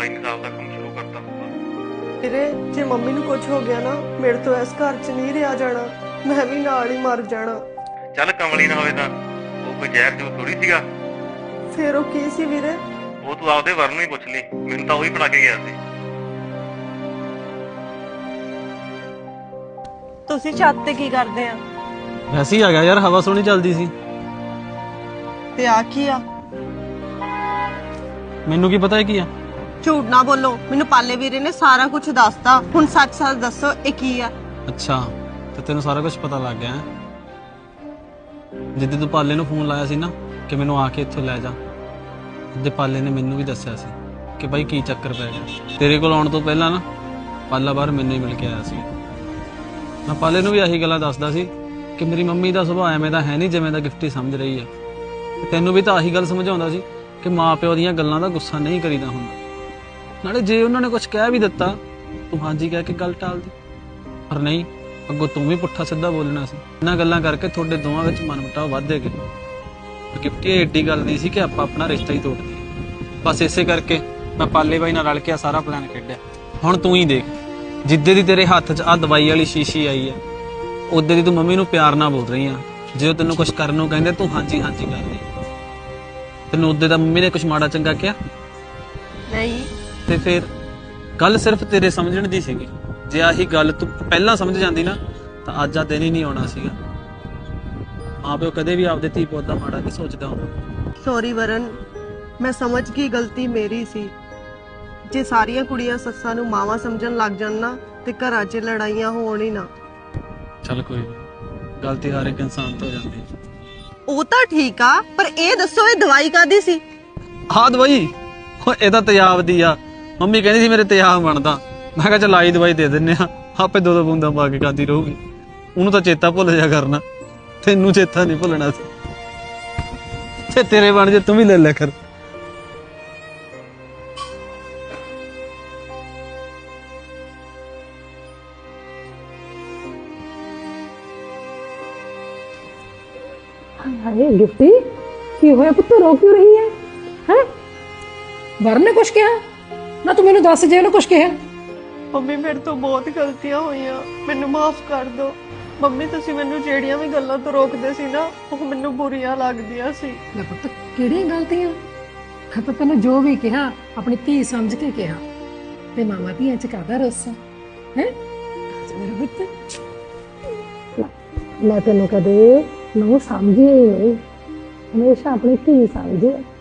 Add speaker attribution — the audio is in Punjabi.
Speaker 1: ਇਨਸਾਫ ਦਾ ਕੰਮ ਸ਼ੁਰੂ ਕਰਤਾ ਹੋਊਗਾ।
Speaker 2: ਵੀਰੇ ਜੇ ਮੰਮੀ ਨੂੰ ਕੁਝ ਹੋ ਗਿਆ ਨਾ ਮੇਰੇ ਤੋਂ ਇਸ ਘਰ 'ਚ ਨਹੀਂ ਰਿਹਾ ਜਾਣਾ, ਮੈਂ ਵੀ ਨਾਲ ਹੀ ਮਰ ਜਾਣਾ।
Speaker 1: ਚੱਲ ਕਮਲੀ ਨਾ ਹੋਵੇ ਤਾਂ ਉਹ ਕੋਈ ਜ਼ਹਿਰ ਜੋ ਥੋੜੀ ਸੀਗਾ।
Speaker 2: ਫਿਰ ਉਹ ਕੀ ਸੀ ਵੀਰੇ?
Speaker 1: ਉਹ ਤੂੰ ਆਪਦੇ ਵਰ ਨੂੰ ਹੀ ਪੁੱਛ ਲਈ, ਮੈਨੂੰ ਤਾਂ ਉਹੀ ਫੜਾ ਕੇ ਗਿਆ ਸੀ।
Speaker 2: ਤੁਸੀਂ ਛੱਤ ਤੇ ਕੀ ਕਰਦੇ ਆ?
Speaker 3: ਵੈਸੇ ਹੀ ਆ ਗਿਆ ਯਾਰ, ਹਵਾ ਸੋਹਣੀ ਚੱਲਦੀ ਸੀ।
Speaker 2: ਤੇ ਆ ਕੀ ਆ?
Speaker 3: ਮੈਨੂੰ ਕੀ ਪਤਾ ਇਹ ਕੀ ਆ।
Speaker 2: ਝੂਠ ਨਾ ਬੋਲੋ, ਮੈਨੂੰ ਪਾਲੇ ਵੀਰੇ ਨੇ ਸਾਰਾ ਕੁਝ ਦੱਸਤਾ। ਹੁਣ ਸੱਚ ਸੱਚ ਦੱਸੋ ਇਹ ਕੀ ਆ?
Speaker 3: ਅੱਛਾ ਤੇ ਤੈਨੂੰ ਸਾਰਾ ਕੁਝ ਪਤਾ ਲੱਗ ਗਿਆ ਹੈ। ਜਿੱਦੇ ਤੂੰ ਪਾਲੇ ਨੂੰ ਫੋਨ ਲਾਇਆ ਸੀ ਨਾ ਕਿ ਮੈਨੂੰ ਆ ਕੇ ਇੱਥੋਂ ਲੈ ਜਾ, ਉਹਦੇ ਪਾਲੇ ਨੇ ਮੈਨੂੰ ਵੀ ਦੱਸਿਆ ਸੀ ਕਿ ਬਾਈ ਕੀ ਚੱਕਰ ਪੈ ਗਿਆ। ਤੇਰੇ ਕੋਲ ਆਉਣ ਤੋਂ ਪਹਿਲਾਂ ਨਾ ਪਾਲਾ ਬਾਹਰ ਮੈਨੂੰ ਹੀ ਮਿਲ ਕੇ ਆਇਆ ਸੀ। ਮੈਂ ਪਾਲੇ ਨੂੰ ਵੀ ਆਹੀ ਗੱਲਾਂ ਦੱਸਦਾ ਸੀ ਕਿ ਮੇਰੀ ਮੰਮੀ ਦਾ ਸੁਭਾਅ ਐਵੇਂ ਦਾ ਹੈ ਨਹੀਂ ਜਿਵੇਂ ਦਾ ਗਿਫਟੀ ਸਮਝ ਰਹੀ ਹੈ। ਤੈਨੂੰ ਵੀ ਤਾਂ ਆਹੀ ਗੱਲ ਸਮਝਾਉਂਦਾ ਸੀ ਕਿ ਮਾਂ ਪਿਓ ਦੀਆਂ ਗੱਲਾਂ ਦਾ ਗੁੱਸਾ ਨਹੀਂ ਕਰੀਦਾ ਹੁੰਦਾ। ਨਾਲੇ ਜੇ ਉਹਨਾਂ ਨੇ ਕੁਝ ਕਹਿ ਵੀ ਦਿੱਤਾ ਤੂੰ ਹਾਂਜੀ ਕਹਿ ਕੇ ਗੱਲ ਟਾਲਦੀ, ਪਰ ਨਹੀਂ, ਅੱਗੋਂ ਤੂੰ ਵੀ ਪੁੱਠਾ ਸਿੱਧਾ ਬੋਲਣਾ ਸੀ। ਇਹਨਾਂ ਗੱਲਾਂ ਕਰਕੇ ਤੁਹਾਡੇ ਦੋਵਾਂ ਵਿੱਚ ਮਨਮੁਟਾਵ ਵੱਧਦੇ ਗਏ। ਗਿਫਟੀ ਏਡੀ ਗੱਲ ਨਹੀਂ ਸੀ ਕਿ ਆਪਾਂ ਆਪਣਾ ਰਿਸ਼ਤਾ ਹੀ ਤੋੜ ਦਈਏ। ਬਸ ਇਸੇ ਕਰਕੇ ਮੈਂ ਪਾਲੇ ਬਾਈ ਨਾਲ ਰਲ ਕੇ ਸਾਰਾ ਪਲਾਨ ਖੇਡਿਆ। ਹੁਣ ਤੂੰ ਹੀ ਦੇਖ, ਜਿੱਦੇ ਦੀ ਤੇਰੇ ਹੱਥ 'ਚ ਆ ਦਵਾਈ ਵਾਲੀ ਸ਼ੀਸ਼ੀ ਆਈ ਹੈ ਉਦੇ ਦੀ ਤੂੰ ਮੰਮੀ ਨੂੰ ਪਿਆਰ ਨਾਲ ਬੋਲ ਰਹੀ ਆ। ਜੇ ਉਹ ਤੈਨੂੰ ਕੁਝ ਕਰਨ ਨੂੰ ਕਹਿੰਦੇ ਤੂੰ ਹਾਂਜੀ ਹਾਂਜੀ ਕਰ ਰਹੀ। ਤੈਨੂੰ ਉਦੇ ਦਾ ਮੰਮੀ ਨੇ ਕੁਝ ਮਾੜਾ ਚੰਗਾ ਕਿਹਾ
Speaker 2: ਨਹੀਂ।
Speaker 3: ਤੇ ਫਿਰ ਗੱਲ ਸਿਰਫ ਤੇਰੇ ਸਮਝਣ ਦੀ ਸੀਗੀ। ਜੇ ਆਹੀ ਗੱਲ ਤੂੰ ਪਹਿਲਾਂ ਸਮਝ ਜਾਂਦੀ ਨਾ ਤਾਂ ਅੱਜ ਆ ਦਿਨ ਹੀ ਨਹੀਂ ਆਉਣਾ ਸੀਗਾ। ਮਾਂ ਪਿਓ ਕਦੇ ਵੀ ਆਪਦੇ ਧੀ ਪੁੱਤ ਦਾ ਮਾੜਾ ਨਹੀਂ ਸੋਚਦਾ ਹੁੰਦਾ।
Speaker 2: ਸੌਰੀ ਵਰਨ, ਮੈਂ ਸਮਝ ਗਈ ਗਲਤੀ ਮੇਰੀ ਸੀ। ਜੇ ਸਾਰੀਆਂ ਕੁੜੀਆਂ ਸੱਸਾਂ ਨੂੰ ਮਾਵਾਂ ਸਮਝਣ ਲੱਗ ਜਾਣ ਨਾ ਤੇ ਘਰਾਂ 'ਚ ਲੜਾਈਆਂ ਹੋਣ ਹੀ ਨਾ।
Speaker 3: ਚੱਲ ਕੋਈ ਨਹੀਂ, ਗਲਤੀ ਹਰ ਇੱਕ ਇਨਸਾਨ ਤੋਂ ਹੋ ਜਾਂਦੀ ਹੈ।
Speaker 2: ਉਹ ਤਾਂ ਠੀਕ ਆ, ਪਰ ਇਹ ਦੱਸੋ ਇਹ ਦਵਾਈ ਕਾਦੀ ਸੀ?
Speaker 3: ਹਾਂ ਦਵਾਈ ਉਹ ਇਹਦਾ ਤੇਜ਼ਾਬ ਦੀ ਆ। ਮੰਮੀ ਕਹਿੰਦੀ ਸੀ ਮੇਰੇ ਤੇਜ਼ਾਬ ਬਣਦਾ। ਮੈਂ ਕਿਹਾ ਚੱਲ ਆਈ ਦਵਾਈ ਦੇ ਦਿੰਨੇ ਆ, ਆਪੇ ਦੋ ਦੋ ਬੂੰਦਾਂ ਪਾ ਕੇ ਖਾਂਦੀ ਰਹੂਗੀ। ਉਹਨੂੰ ਤਾਂ ਚੇਤਾ ਭੁੱਲ ਜਾ ਕਰਨਾ, ਤੈਨੂੰ ਚੇਤਾ ਨਹੀਂ ਭੁੱਲਣਾ ਸੀ। ਤੇ ਤੇਰੇ ਬਣ ਜੇ ਤੂੰ ਵੀ ਲੈ ਲਿਆ ਕਰ।
Speaker 4: हाय गिफ्टी की होया पुत्त रो क्यों रही है? हैं वरण ने कुछ कहा ना? तू मैनू दस जे कुछ कहा?
Speaker 2: ਮੰਮੀ ਮੇਰੇ ਤੋਂ ਬਹੁਤ ਗਲਤੀਆਂ ਹੋਈਆਂ, ਮੈਨੂੰ ਮਾਫ ਕਰ ਦਿਓ। ਮੰਮੀ ਤੁਸੀਂ ਮੈਨੂੰ ਜਿਹੜੀਆਂ ਵੀ ਗੱਲਾਂ ਤੋਂ ਰੋਕਦੇ ਸੀ ਨਾ ਉਹ ਮੈਨੂੰ ਬੁਰੀਆਂ ਲੱਗਦੀਆਂ ਸੀ।
Speaker 4: ले पुत्त किहड़ियां गलतियां? मैं तो तेन जो भी कहा अपनी धी समझ के कहा। ते मामा धियां च काहदा रोसा है? मेरा पुत्त मैं तेन कदे नूं समझी ही नहीं, हमेशा अपनी धी समझे।